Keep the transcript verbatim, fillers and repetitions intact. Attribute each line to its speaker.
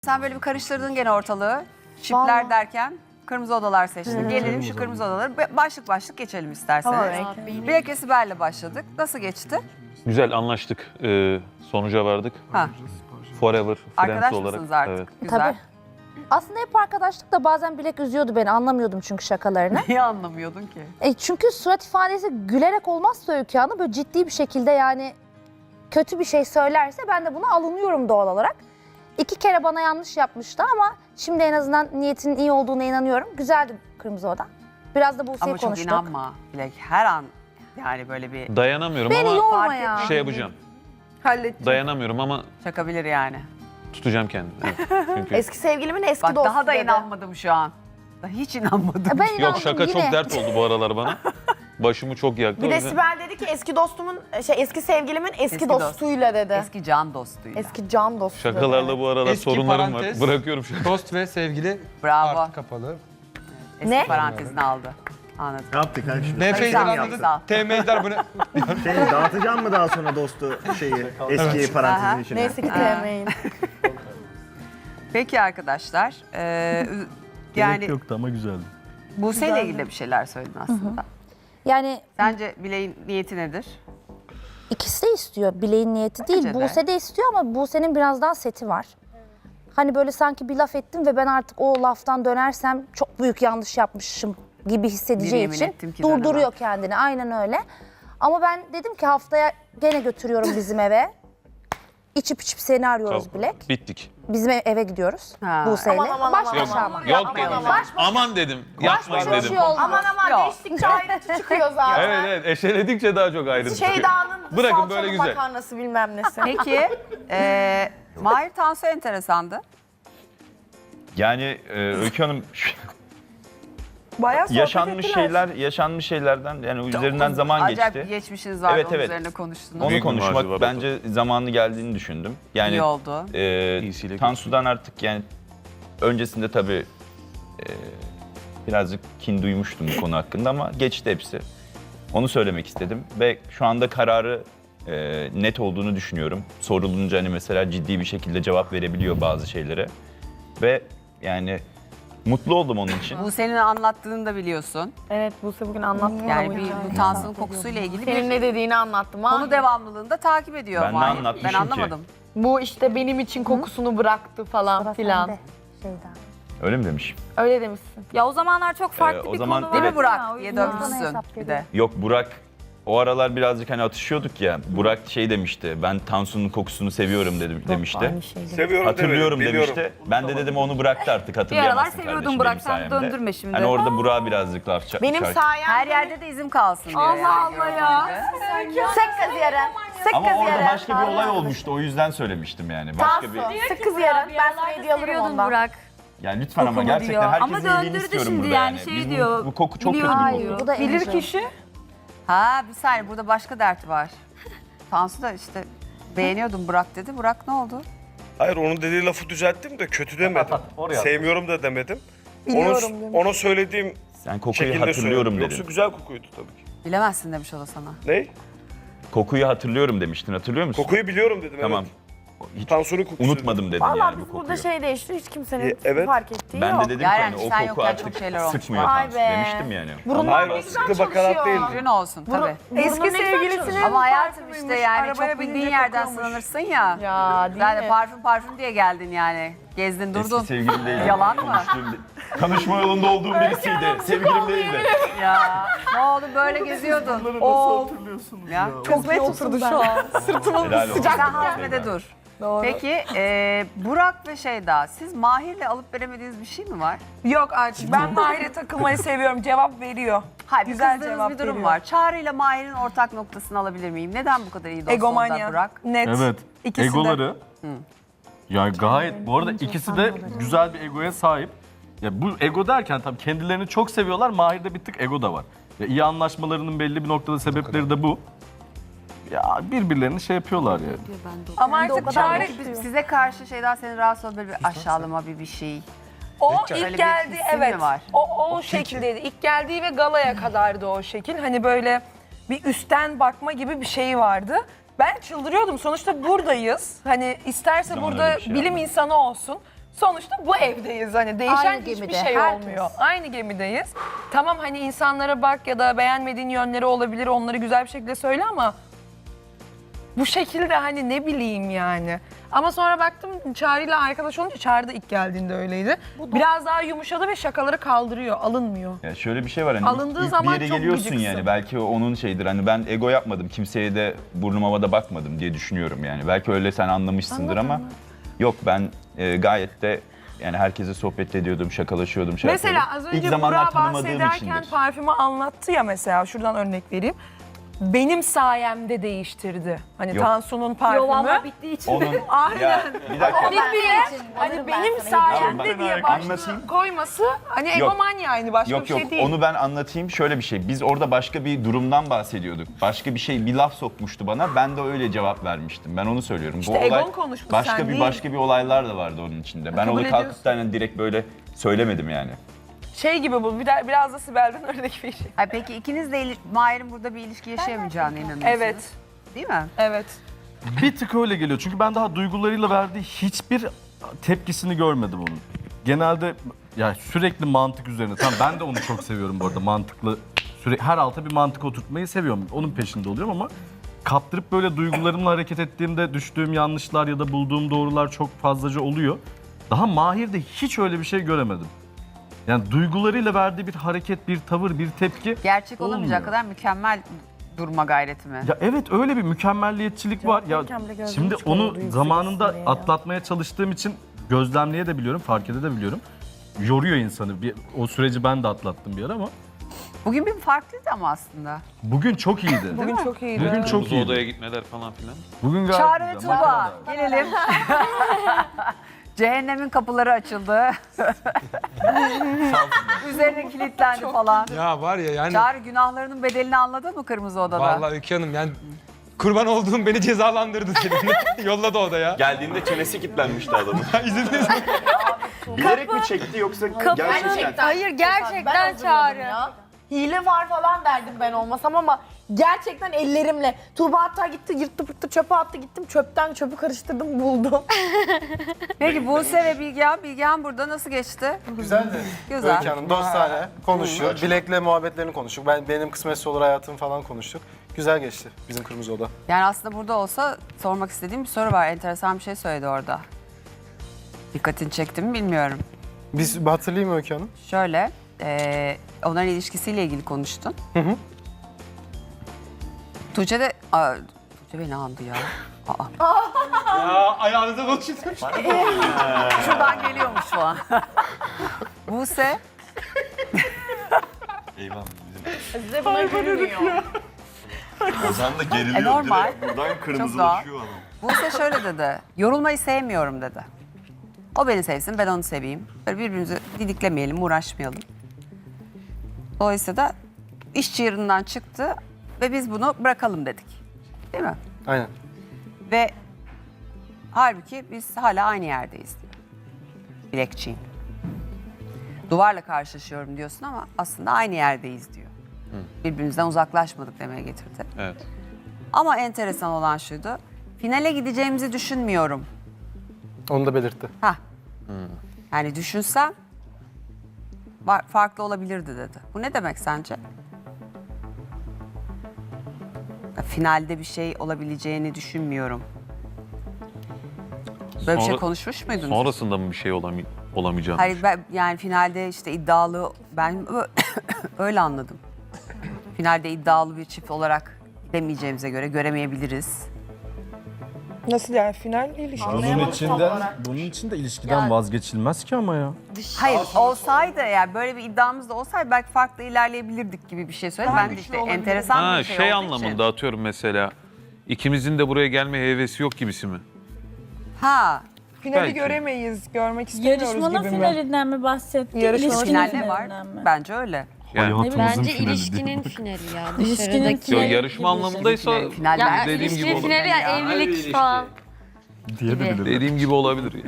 Speaker 1: Sen böyle bir karıştırdın gene ortalığı. Çipler
Speaker 2: Vallahi.
Speaker 1: derken kırmızı odalar seçtin. Gelelim şu kırmızı odaları. Başlık başlık geçelim isterseniz.
Speaker 2: Tamam.
Speaker 1: Bilek ve Sibel'le başladık. Nasıl geçti?
Speaker 3: Güzel anlaştık. Ee, sonuca vardık.
Speaker 1: Ha.
Speaker 3: Forever Friends
Speaker 1: Arkadaş
Speaker 3: olarak.
Speaker 1: mısınız artık?
Speaker 3: Evet.
Speaker 1: Güzel.
Speaker 2: Tabii. Aslında hep arkadaşlık da bazen Bilek üzüyordu beni. Anlamıyordum çünkü şakalarını.
Speaker 1: Niye anlamıyordun ki?
Speaker 2: E çünkü surat ifadesi gülerek olmazsa Öykü Hanım böyle ciddi bir şekilde yani kötü bir şey söylerse ben de buna alınıyorum doğal olarak. İki kere bana yanlış yapmıştı ama şimdi en azından niyetinin iyi olduğuna inanıyorum. Güzeldi Kırmızı Oda. Biraz da Buse'yi
Speaker 1: Ama çok
Speaker 2: konuştuk.
Speaker 1: inanma Bilek. Her an yani böyle bir
Speaker 3: Dayanamıyorum
Speaker 2: Beni
Speaker 3: ama
Speaker 2: yorma
Speaker 1: fark
Speaker 2: ya.
Speaker 1: ettim.
Speaker 3: şey yapacağım.
Speaker 4: Halledeceğim.
Speaker 3: Dayanamıyorum ama
Speaker 1: çakabilir yani.
Speaker 3: tutacağım kendimi. Evet. Çünkü
Speaker 4: Eski sevgilimin eski
Speaker 1: Bak
Speaker 4: dostu
Speaker 1: daha da
Speaker 4: dedi.
Speaker 1: inanmadım şu an. Daha hiç inanmadım.
Speaker 2: E ben
Speaker 3: yok
Speaker 2: inandım
Speaker 3: şaka
Speaker 2: yine.
Speaker 3: çok dert oldu bu aralar bana. Başımı çok yaktı.
Speaker 4: Bir
Speaker 3: o
Speaker 4: de
Speaker 3: yüzden-
Speaker 4: Sibel dedi ki eski dostumun, şey eski sevgilimin eski,
Speaker 1: Eski dost.
Speaker 4: dostuyla dedi. Eski,
Speaker 1: Eski can dostuyla.
Speaker 4: can dostu
Speaker 3: Şakalarla
Speaker 4: dedi.
Speaker 3: bu aralar
Speaker 5: Eski
Speaker 3: sorunlarım
Speaker 5: parantez.
Speaker 3: var. Bırakıyorum şaka.
Speaker 5: Dost ve sevgili
Speaker 1: Bravo.
Speaker 5: artı kapalı.
Speaker 1: Eski
Speaker 4: Ne?
Speaker 1: parantezini aldı. Anladım.
Speaker 6: Ne yaptık ha şimdi?
Speaker 5: N F'yi
Speaker 1: Sağ ol,
Speaker 5: anladı.
Speaker 1: sağ ol.
Speaker 5: T M'ler bu ne?
Speaker 6: Şey, dağıtacağım mı daha sonra dostu şeyi eski parantezin
Speaker 1: Aha.
Speaker 6: içine?
Speaker 4: Neyse ki sevmeyin.
Speaker 1: Peki arkadaşlar. eee, yani
Speaker 7: yoktu ama güzeldi.
Speaker 1: Buse ile ilgili de bir şeyler söyledin aslında.
Speaker 2: Yani
Speaker 1: Sence Bilek'in niyeti nedir?
Speaker 2: ikisi de istiyor. Bileğin niyeti değil.
Speaker 1: Bence de.
Speaker 2: Buse de istiyor ama Buse'nin biraz daha seti var. Hani böyle sanki bir laf ettim ve ben artık o laftan dönersem çok büyük yanlış yapmışım gibi hissedeceği
Speaker 1: Bir yemin
Speaker 2: için
Speaker 1: ettim ki
Speaker 2: durduruyor
Speaker 1: dönemem.
Speaker 2: kendini. Aynen öyle. Ama ben dedim ki haftaya gene götürüyorum bizim eve. İçip içip seni arıyoruz
Speaker 3: Çok-
Speaker 2: Bilek.
Speaker 3: Bittik.
Speaker 2: Bizim ev- eve gidiyoruz
Speaker 1: Ha.
Speaker 2: Buse'yle.
Speaker 4: Aman, aman,
Speaker 2: Baş
Speaker 4: aman,
Speaker 2: başa
Speaker 4: aman.
Speaker 2: ama.
Speaker 3: Yok dedim. Aman dedim. Yapmayın
Speaker 2: Baş başa
Speaker 3: dedim.
Speaker 2: şey oldu.
Speaker 4: Aman aman
Speaker 1: Yok.
Speaker 4: değiştikçe ayrıntı çıkıyor zaten.
Speaker 3: Evet evet eşeledikçe daha çok ayrıntı çıkıyor.
Speaker 4: Şeyda'nın
Speaker 3: Bırakın
Speaker 4: salçalı
Speaker 3: böyle güzel.
Speaker 4: makarnası bilmem nesi.
Speaker 1: Peki eee Mahir Tansu enteresandı.
Speaker 7: Yani e, Öykü Hanım
Speaker 4: Bayağı sohbet
Speaker 7: yaşanmış
Speaker 4: ettiler.
Speaker 7: şeyler, yaşanmış şeylerden yani üzerinden zaman
Speaker 1: Acayip
Speaker 7: geçti.
Speaker 1: geçmişiniz vardı,
Speaker 7: Evet,
Speaker 1: onun
Speaker 7: evet.
Speaker 1: üzerine konuştunuz.
Speaker 7: Onu
Speaker 3: Büyük bir marjı
Speaker 7: konuşmak
Speaker 3: var
Speaker 7: bence zamanı geldiğini düşündüm. Yani
Speaker 1: İyi oldu.
Speaker 7: e,
Speaker 3: İyisiyle
Speaker 7: Tansu'dan artık yani öncesinde tabii e, birazcık kin duymuştum bu konu hakkında ama geçti hepsi. Onu söylemek istedim ve şu anda kararı e, net olduğunu düşünüyorum. Sorulunca hani mesela ciddi bir şekilde cevap verebiliyor bazı şeylere ve yani mutlu oldum onun için.
Speaker 1: Bu senin anlattığını da biliyorsun.
Speaker 4: Evet Buse bugün anlattı.
Speaker 1: Yani
Speaker 4: bana bu
Speaker 1: bir
Speaker 4: hikayeyi.
Speaker 1: bu Tansu'nun kokusuyla ilgili
Speaker 4: Senin
Speaker 1: bir
Speaker 4: ne dediğini anlattım.
Speaker 1: konu
Speaker 4: Mahir.
Speaker 1: devamlılığını da takip ediyor
Speaker 7: Ben ne
Speaker 1: Mahir. Ben
Speaker 7: anlatmışım ki?
Speaker 1: anlamadım.
Speaker 4: Bu işte benim için kokusunu bıraktı falan
Speaker 2: Sıra
Speaker 4: filan.
Speaker 2: sende, Şeyda.
Speaker 7: Öyle mi demiş?
Speaker 4: Öyle demişsin.
Speaker 8: Ya o zamanlar çok farklı
Speaker 7: Ee, o
Speaker 8: bir
Speaker 7: zaman-
Speaker 8: konu
Speaker 1: Değil
Speaker 8: vardı
Speaker 1: mi Burak
Speaker 8: ya, o
Speaker 1: diye
Speaker 8: yüzden.
Speaker 1: dönmüşsün
Speaker 2: hesap
Speaker 1: bir de.
Speaker 7: Yok Burak o aralar birazcık hani atışıyorduk ya. Burak şey demişti. Ben Tansu'nun kokusunu seviyorum dedim, demişti.
Speaker 4: Aynı şeydi.
Speaker 9: Seviyorum
Speaker 7: Hatırlıyorum
Speaker 9: demedim, biliyorum.
Speaker 7: demişti. Ben de dedim onu bıraktı artık
Speaker 8: Bir
Speaker 7: hatırlayamazsın
Speaker 8: aralar seviyordum
Speaker 7: kardeşim
Speaker 8: Burak,
Speaker 7: benim
Speaker 8: sen
Speaker 7: sayemde.
Speaker 8: döndürme şimdi.
Speaker 7: Hani orada Burak'a birazcık laf çak.
Speaker 4: Benim
Speaker 7: çak-
Speaker 4: sayemde.
Speaker 1: Her yerde de izim kalsın diyor.
Speaker 8: Allah
Speaker 1: yani,
Speaker 8: Allah ya.
Speaker 4: Sık kız yarın. Sık
Speaker 7: Ama
Speaker 4: kız
Speaker 7: orada
Speaker 4: yarın.
Speaker 7: başka bir olay olmuştu. O yüzden söylemiştim yani. Başka bir
Speaker 4: Tansu, sık kız yarın. Ben sana hediye alırım
Speaker 8: Seviyordun
Speaker 4: ondan.
Speaker 8: Burak.
Speaker 7: yani lütfen ama
Speaker 8: Kokumu
Speaker 7: gerçekten
Speaker 8: diyor.
Speaker 7: herkesin
Speaker 8: Ama
Speaker 7: iyiliğini
Speaker 8: döndürdü
Speaker 7: istiyorum
Speaker 8: şimdi
Speaker 7: burada
Speaker 8: yani,
Speaker 7: yani.
Speaker 8: şey
Speaker 7: Biz bu-
Speaker 8: diyor,
Speaker 7: Bu, koku çok kötü
Speaker 8: biliyorum
Speaker 7: bir
Speaker 8: diyor.
Speaker 7: koku.
Speaker 2: Bu da
Speaker 4: Bilir
Speaker 2: Angel.
Speaker 4: kişi.
Speaker 1: Ha bir saniye burada başka dert var. Tansu da işte beğeniyordum Burak dedi. Burak ne oldu?
Speaker 9: Hayır onun dediği lafı düzelttim de kötü demedim. Sevmiyorum da demedim.
Speaker 4: Biliyorum
Speaker 9: Onu,
Speaker 4: demiş.
Speaker 9: ona söylediğim
Speaker 7: Sen kokuyu
Speaker 9: şekilde
Speaker 7: hatırlıyorum
Speaker 9: söyledim.
Speaker 7: dedin.
Speaker 9: Yoksa güzel kokuydu tabii ki.
Speaker 1: Bilemezsin demiş o da sana.
Speaker 9: Ne?
Speaker 7: Kokuyu hatırlıyorum demiştin. Hatırlıyor musun?
Speaker 9: Kokuyu biliyorum dedim
Speaker 7: Tamam.
Speaker 9: evet.
Speaker 7: Hiç
Speaker 9: Tansu'nun kokusu.
Speaker 7: unutmadım dedin
Speaker 4: Valla
Speaker 7: yani bu
Speaker 4: biz
Speaker 7: kokuyu.
Speaker 4: burada şey değişti. Hiç kimsenin
Speaker 9: E, evet.
Speaker 4: fark ettiği
Speaker 7: Ben
Speaker 4: yok.
Speaker 7: de dedim
Speaker 1: Yani
Speaker 7: ki hani
Speaker 1: sen
Speaker 7: o koku
Speaker 1: yokken çok
Speaker 7: artık
Speaker 1: şeyler olmuş.
Speaker 7: sıkmıyor
Speaker 4: Vay
Speaker 7: Tansu
Speaker 4: be.
Speaker 7: demiştim yani.
Speaker 4: Burunlar
Speaker 9: Hayır
Speaker 4: ne
Speaker 9: o
Speaker 4: güzel
Speaker 9: sıkı bakarat
Speaker 4: çalışıyor.
Speaker 9: değildi.
Speaker 1: Ürün olsun tabii.
Speaker 4: Eski sevgilisinin
Speaker 1: Ama hayatım işte yani çok bildiğin yerden sınanırsın ya.
Speaker 4: Ya değil
Speaker 1: Sen de
Speaker 4: mi?
Speaker 1: parfüm parfüm diye geldin yani. Gezdin durdun.
Speaker 7: Eski sevgilim değildi.
Speaker 1: Yalan mı?
Speaker 7: Konuştuğum- Tanışma yolunda olduğum birisiydi. Sevgilim değildi.
Speaker 1: Ya ne oldu böyle geziyordun. Oo. Ya çok
Speaker 4: Kısmet oturdu şu an. Sırtıma
Speaker 7: Helal olsun.
Speaker 1: sen hazmede dur. Peki e, Burak ve Şeyda siz Mahir'le alıp veremediğiniz bir şey mi var?
Speaker 10: Yok artık ben Mahir'e takılmayı seviyorum. Cevap veriyor.
Speaker 1: Hayır bir
Speaker 10: Güzel
Speaker 1: kızdığınız
Speaker 10: cevap
Speaker 1: bir durum
Speaker 10: veriyor.
Speaker 1: var. Çağrı ile Mahir'in ortak noktasını alabilir miyim? Neden bu kadar iyi dost
Speaker 10: Egomanya.
Speaker 1: oldular Burak?
Speaker 10: Net.
Speaker 11: Evet.
Speaker 10: İkisi
Speaker 11: Egoları. Ya gayet bu arada ikisi de güzel bir egoya sahip. Ya bu ego derken tabii kendilerini çok seviyorlar. Mahir'de bir tık ego da var. Ya iyi anlaşmalarının belli bir noktada sebepleri de bu. Ya birbirlerini şey yapıyorlar yani.
Speaker 10: Ama
Speaker 2: Ben de o
Speaker 10: artık
Speaker 2: kadar
Speaker 10: Çağrı
Speaker 1: Peki size karşı Şeyda senin rahatsız olduğu böyle bir aşağılama bir bir şey.
Speaker 10: o
Speaker 1: Öyle
Speaker 10: ilk
Speaker 1: bir
Speaker 10: geldi
Speaker 1: hissin mi
Speaker 10: evet.
Speaker 1: var?
Speaker 10: O o şekildeydi. İlk geldiği ve galaya kadardı o şekil. Hani böyle bir üstten bakma gibi bir şey vardı. Ben çıldırıyordum. Sonuçta buradayız. Hani isterse
Speaker 7: Zaman
Speaker 10: burada
Speaker 7: öyle bir şey
Speaker 10: bilim
Speaker 7: yapmadım.
Speaker 10: insanı olsun. sonuçta bu evdeyiz. Hani değişen
Speaker 2: Aynı
Speaker 10: hiçbir
Speaker 2: gemide,
Speaker 10: şey
Speaker 2: herkes.
Speaker 10: olmuyor. Aynı gemideyiz. Tamam hani insanlara bak ya da beğenmediğin yönleri olabilir, onları güzel bir şekilde söyle ama bu şekilde hani ne bileyim yani. Ama sonra baktım Çağrı'yla arkadaş olunca Çağrı da ilk geldiğinde öyleydi. Biraz daha yumuşadı ve şakaları kaldırıyor, alınmıyor.
Speaker 7: Ya şöyle bir şey var hani
Speaker 10: Alındığı
Speaker 7: ilk, ilk
Speaker 10: zaman
Speaker 7: bir yere
Speaker 10: çok
Speaker 7: geliyorsun
Speaker 10: gıcıksın.
Speaker 7: yani belki o onun şeydir hani ben ego yapmadım kimseye de burnum havada bakmadım diye düşünüyorum yani. Belki öyle sen anlamışsındır ama yok ben e, gayet de yani herkese sohbet ediyordum, şakalaşıyordum, şey
Speaker 10: Mesela
Speaker 7: yapıyordum.
Speaker 10: az önce
Speaker 7: İlk zamanlar
Speaker 10: Burak
Speaker 7: tanımadığım
Speaker 10: bahsederken
Speaker 7: içindir.
Speaker 10: parfümü anlattı ya mesela şuradan örnek vereyim. Benim sayemde değiştirdi. Hani
Speaker 7: Yok.
Speaker 10: Tansu'nun parfümü.
Speaker 4: bittiği için.
Speaker 7: Onun
Speaker 10: Aynen.
Speaker 7: ya bir dakika.
Speaker 10: Hani benim sayemde diye başlığı
Speaker 7: Anlatayım.
Speaker 10: koyması hani
Speaker 7: Yok.
Speaker 10: egomanya yani başka
Speaker 7: Yok
Speaker 10: bir
Speaker 7: yok
Speaker 10: şey değil.
Speaker 7: onu ben anlatayım şöyle bir şey. Biz orada başka bir durumdan bahsediyorduk. Başka bir şey bir laf sokmuştu bana. Ben de öyle cevap vermiştim. Ben onu söylüyorum.
Speaker 10: İşte egon konuşmuş,
Speaker 7: başka
Speaker 10: sen
Speaker 7: bir
Speaker 10: değil.
Speaker 7: başka bir olaylar da vardı onun içinde. Ben
Speaker 10: Kabul
Speaker 7: onu kalkıp
Speaker 10: ediyorsun.
Speaker 7: da hani direkt böyle söylemedim yani.
Speaker 10: Şey gibi bu bir de- biraz da Sibel'den örnek bir şey.
Speaker 1: Ay peki ikiniz de ili- Mahir'in burada bir ilişki yaşayamayacağına inanıyorsunuz.
Speaker 10: Evet.
Speaker 1: Değil mi?
Speaker 10: Evet.
Speaker 11: Bir tık öyle geliyor. Çünkü ben daha duygularıyla verdiği hiçbir tepkisini görmedim onun. Genelde ya sürekli mantık üzerine. Tamam ben de onu çok seviyorum bu arada. Mantıklı sürekli her alta bir mantık oturtmayı seviyorum. Onun peşinde oluyorum ama kaptırıp böyle duygularımla hareket ettiğimde düştüğüm yanlışlar ya da bulduğum doğrular çok fazlaca oluyor. Daha Mahir'de hiç öyle bir şey göremedim. Yani duygularıyla verdiği bir hareket, bir tavır, bir tepki
Speaker 1: Gerçek olamayacak
Speaker 11: olmuyor.
Speaker 1: kadar mükemmel durma gayreti mi?
Speaker 11: Ya evet öyle bir mükemmelliyetçilik var. Ya
Speaker 4: verirken bile gözlerim
Speaker 11: şimdi
Speaker 4: çıkarıyordu,
Speaker 11: onu
Speaker 4: yüksek
Speaker 11: zamanında
Speaker 4: olsun diye ya.
Speaker 11: atlatmaya çalıştığım için gözlemleyebiliyorum, fark edebiliyorum. Yoruyor insanı. Bir, o süreci ben de atlattım bir ara ama
Speaker 1: Bugün bir farklıydı ama aslında.
Speaker 11: bugün çok iyiydi.
Speaker 10: Bugün çok iyiydi.
Speaker 11: Bugün çok
Speaker 3: Kırmızı
Speaker 11: iyiydi.
Speaker 3: odaya gitmeler falan filan.
Speaker 11: Bugün gayet
Speaker 1: Çağrı ve
Speaker 11: güzel.
Speaker 1: Tuğba gelelim. Cehennemin kapıları açıldı. Üzerine kilitlendi falan.
Speaker 5: Ya var ya yani
Speaker 1: Çağrı günahlarının bedelini anladı mı Kırmızı Oda'da?
Speaker 5: vallahi Öykü Hanım yani kurban olduğum beni cezalandırdı senin. Yolladı odaya.
Speaker 7: Geldiğinde çenesi kilitlenmişti adamın.
Speaker 5: İzlediniz mi?
Speaker 7: Bilerek mi çekti yoksa gerçekten?
Speaker 4: Hayır gerçekten Çağrı. Hile var falan derdim ben olmasam ama gerçekten ellerimle. Tuğba hatta gitti yırttı pırttı çöpe attı gittim çöpten çöpü karıştırdım buldum.
Speaker 1: Peki Buse ve Bilgehan, Bilgehan burada nasıl geçti?
Speaker 8: Güzeldi.
Speaker 1: Güzel.
Speaker 8: Öykü Hanım dostane konuştuk. Bilek'le muhabbetlerini konuştuk. Ben benim kısmetse olur hayatım falan konuştuk. Güzel geçti bizim Kırmızı Oda.
Speaker 1: Yani aslında burada olsa sormak istediğim bir soru var. Enteresan bir şey söyledi orada. Dikkatini çekti mi bilmiyorum.
Speaker 8: Biz hatırlayayım mı Öykü Hanım?
Speaker 1: Şöyle, eee onların ilişkisiyle ilgili konuştun.
Speaker 8: Hı hı.
Speaker 1: Tuğçe de... Aa, Tuğçe beni andı ya. Aa,
Speaker 5: Ya ayağınıza bakıştım.
Speaker 1: şuradan geliyormuş falan. Buse,
Speaker 7: Eyvah.
Speaker 4: Size buna gülmüyor.
Speaker 7: Ozan da geriliyor.
Speaker 1: E, normal.
Speaker 7: Direkt buradan
Speaker 1: kırmızılaşıyor
Speaker 7: adam.
Speaker 1: Buse şöyle dedi. Yorulmayı sevmiyorum dedi. O beni sevsin, ben onu seveyim. Böyle birbirimizi didiklemeyelim, uğraşmayalım. Dolayısıyla da iş çığırından çıktı ve biz bunu bırakalım dedik. Değil mi?
Speaker 8: Aynen.
Speaker 1: Ve halbuki biz hala aynı yerdeyiz diyor. Bilekçiyim. Duvarla karşılaşıyorum diyorsun ama aslında aynı yerdeyiz diyor. Birbirimizden uzaklaşmadık demeye getirdi.
Speaker 3: Evet.
Speaker 1: Ama enteresan olan şuydu. Finale gideceğimizi düşünmüyorum.
Speaker 8: Onu da belirtti.
Speaker 1: Hah. Yani düşünsem var- farklı olabilirdi dedi. Bu ne demek sence? Ya, finalde bir şey olabileceğini düşünmüyorum. Böyle bir şey
Speaker 3: Sonra-
Speaker 1: konuşmuş muydunuz?
Speaker 3: Sonrasında mı bir şey olamy olamayacağını?
Speaker 1: Hayır ben, yani finalde işte iddialı ben ö- öyle anladım. Finalde iddialı bir çift olarak demeyeceğimize göre göremeyebiliriz.
Speaker 10: Nasıl yani final ilişki?
Speaker 11: Bunun içinden, bunun için de ilişkiden vazgeçilmez ki ama ya.
Speaker 1: Hayır olsaydı eğer böyle bir iddiamız da olsaydı belki farklı ilerleyebilirdik gibi bir şey söyledi. Ben de işte enteresan
Speaker 3: Ha
Speaker 1: bir şey,
Speaker 3: şey
Speaker 1: olduğu için-
Speaker 3: anlamında atıyorum mesela. İkimizin de buraya gelme hevesi yok gibisi mi?
Speaker 1: Ha.
Speaker 10: Finali
Speaker 3: Belki.
Speaker 10: göremeyiz, görmek istemiyoruz
Speaker 12: Yarışmanın
Speaker 10: gibi mi?
Speaker 12: finalinden mi bahsetti?
Speaker 10: Yarışmanın
Speaker 12: İlişkinin
Speaker 1: Final ne var?
Speaker 12: finalinden mi?
Speaker 1: Bence öyle.
Speaker 3: Yani,
Speaker 11: Bence ilişkinin
Speaker 12: finali ya.
Speaker 3: yo,
Speaker 12: İlişkinin finali
Speaker 3: yarışma
Speaker 12: gibi bir şey.
Speaker 3: anlamındaysa
Speaker 1: Final bence
Speaker 3: dediğim gibi olur.
Speaker 12: evlilik falan.
Speaker 11: Diye de bilirim.
Speaker 3: Dediğim gibi olabilir yani.